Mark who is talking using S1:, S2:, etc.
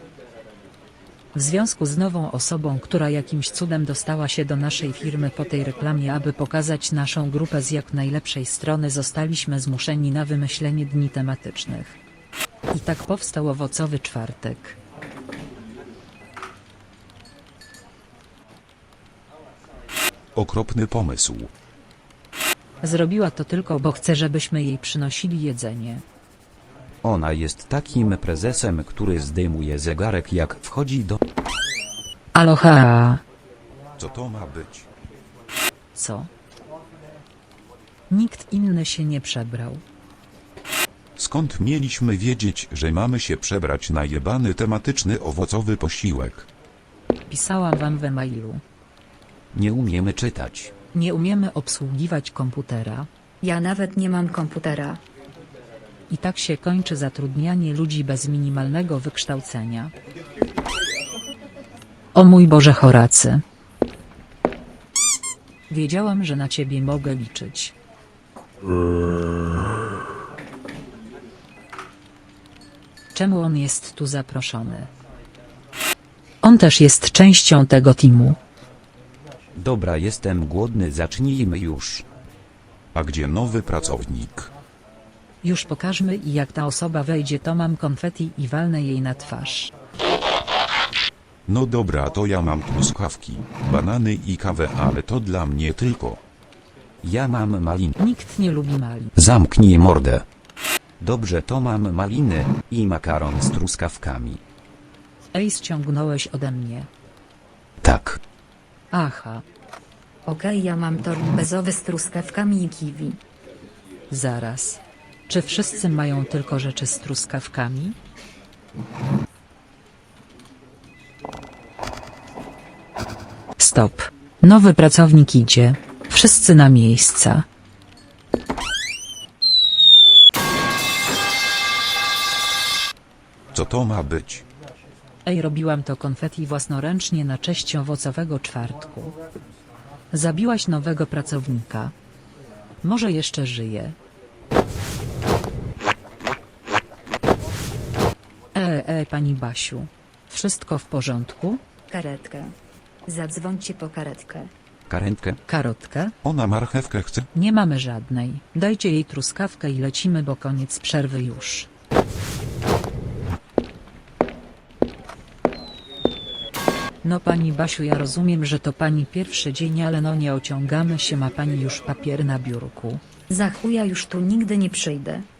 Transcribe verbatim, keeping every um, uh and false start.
S1: W związku z nową osobą, która jakimś cudem dostała się do naszej firmy po tej reklamie, aby pokazać naszą grupę z jak najlepszej strony, zostaliśmy zmuszeni na wymyślenie dni tematycznych. I tak powstał owocowy czwartek.
S2: Okropny pomysł.
S1: Zrobiła to tylko, bo chce, żebyśmy jej przynosili jedzenie.
S3: Ona jest takim prezesem, który zdejmuje zegarek jak wchodzi do...
S1: Aloha.
S2: Co to ma być?
S1: Co? Nikt inny się nie przebrał.
S2: Skąd mieliśmy wiedzieć, że mamy się przebrać na jebany tematyczny owocowy posiłek?
S1: Pisałam wam w e-mailu.
S3: Nie umiemy czytać.
S1: Nie umiemy obsługiwać komputera.
S4: Ja nawet nie mam komputera.
S1: I tak się kończy zatrudnianie ludzi bez minimalnego wykształcenia. O mój Boże, Horacy. Wiedziałam, że na ciebie mogę liczyć. Czemu on jest tu zaproszony? On też jest częścią tego teamu.
S3: Dobra, jestem głodny, zacznijmy już.
S2: A gdzie nowy pracownik?
S1: Już pokażmy, i jak ta osoba wejdzie, to mam konfeti i walnę jej na twarz.
S2: No dobra, to ja mam truskawki, banany i kawę, ale to dla mnie tylko.
S3: Ja mam malin.
S1: Nikt nie lubi malin.
S3: Zamknij mordę. Dobrze, to mam maliny i makaron z truskawkami.
S1: Ej, ściągnąłeś ode mnie.
S3: Tak.
S1: Aha,
S4: Okej, ja mam tort bezowy z truskawkami i kiwi.
S1: zaraz. Czy wszyscy mają tylko rzeczy z truskawkami? Stop. Nowy pracownik idzie. Wszyscy na miejsca.
S2: Co to ma być?
S1: Ej, robiłam to konfeti własnoręcznie na cześć owocowego czwartku. Zabiłaś nowego pracownika. Może jeszcze żyje. E, e, pani Basiu. Wszystko w porządku?
S4: Karetkę. Zadzwońcie po karetkę.
S3: Karetkę?
S1: Karotkę?
S2: Ona marchewkę chce?
S1: Nie mamy żadnej. Dajcie jej truskawkę i lecimy, bo koniec przerwy już. No pani Basiu, ja rozumiem, że to pani pierwszy dzień, ale no nie ociągamy się, ma pani już papier na biurku.
S4: Za chuja już tu nigdy nie przyjdę.